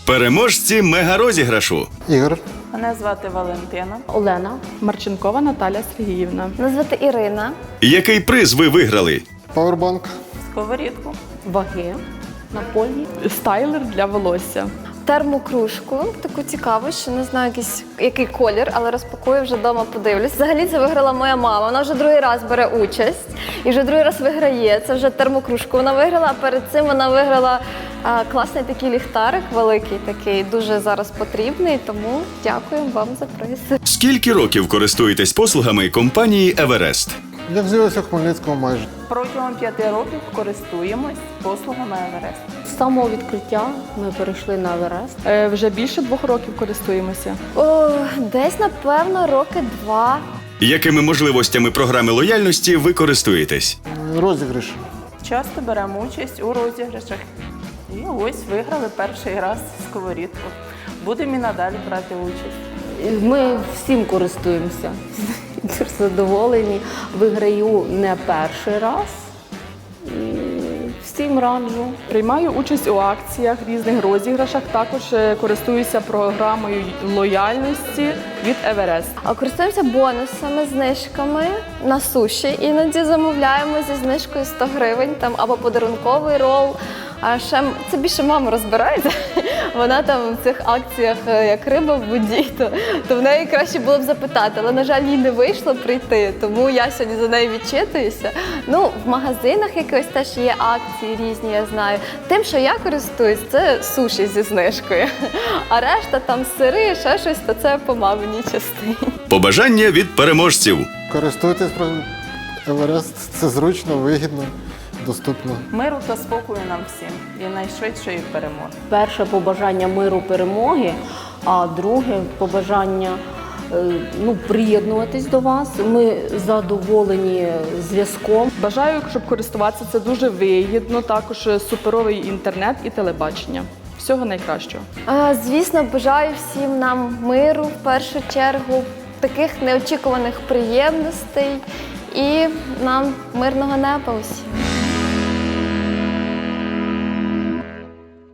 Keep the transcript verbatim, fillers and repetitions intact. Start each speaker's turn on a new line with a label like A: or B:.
A: Переможці мегарозіграшу.
B: Ігор.
C: Мене звати Валентина.
D: Олена.
E: Марченкова Наталя Сергіївна.
F: Мене звати Ірина.
A: Який приз ви виграли?
B: Пауербанк.
C: Сковорідку.
D: Ваги. Напольні.
E: Стайлер для волосся.
F: Термокружку, таку цікаву, що не знаю якийсь, який колір, але розпакую вже вдома, подивлюсь. Взагалі це виграла моя мама. Вона вже другий раз бере участь і вже другий раз виграє. Це вже термокружку вона виграла, а перед цим вона виграла а, класний такий ліхтарик, великий такий, дуже зараз потрібний, тому дякую вам за приз.
A: Скільки років користуєтесь послугами компанії «Еверест»?
B: Як з'явився в Хмельницькому майже.
C: Протягом п'яти років користуємось послугами Еверест.
D: З самого відкриття ми перейшли на Еверест.
E: Е, вже більше двох років користуємося.
F: О, десь, напевно, роки два.
A: Якими можливостями програми лояльності ви користуєтесь?
B: Розіграш.
C: Часто беремо участь у розіграшах. І ось виграли перший раз сковорідку. Будемо і надалі брати участь.
D: Ми всім користуємося. Дуже задоволені. Виграю не перший раз. І всім раджу.
E: Приймаю участь у акціях, різних розіграшах. Також е, користуюся програмою лояльності від Еверест.
F: А користуємося бонусами, знижками на суші. Іноді замовляємо зі знижкою сто гривень там, або подарунковий рол. А ще м- це більше мама розбирається. Вона там в цих акціях е, як риба в воді, то, то в неї краще було б запитати. Але, на жаль, їй не вийшло прийти, тому я сьогодні за нею відчитуюся. Ну, в магазинах якось теж є акції різні, я знаю. Тим, що я користуюсь, це суші зі знижкою. А решта там сири, ще щось, то це по маминій частині.
A: Побажання від переможців.
B: Користуйтесь про Еверест. Це зручно, вигідно, доступно.
C: Миру та спокою нам всім і найшвидшої перемоги.
D: Перше побажання миру, перемоги, а друге побажання е, ну, приєднуватись до вас. Ми задоволені зв'язком.
E: Бажаю, щоб користуватися це дуже вигідно. Також е, суперовий інтернет і телебачення. Всього найкращого.
F: А, Звісно, бажаю всім нам миру в першу чергу, таких неочікуваних приємностей і нам мирного неба усім.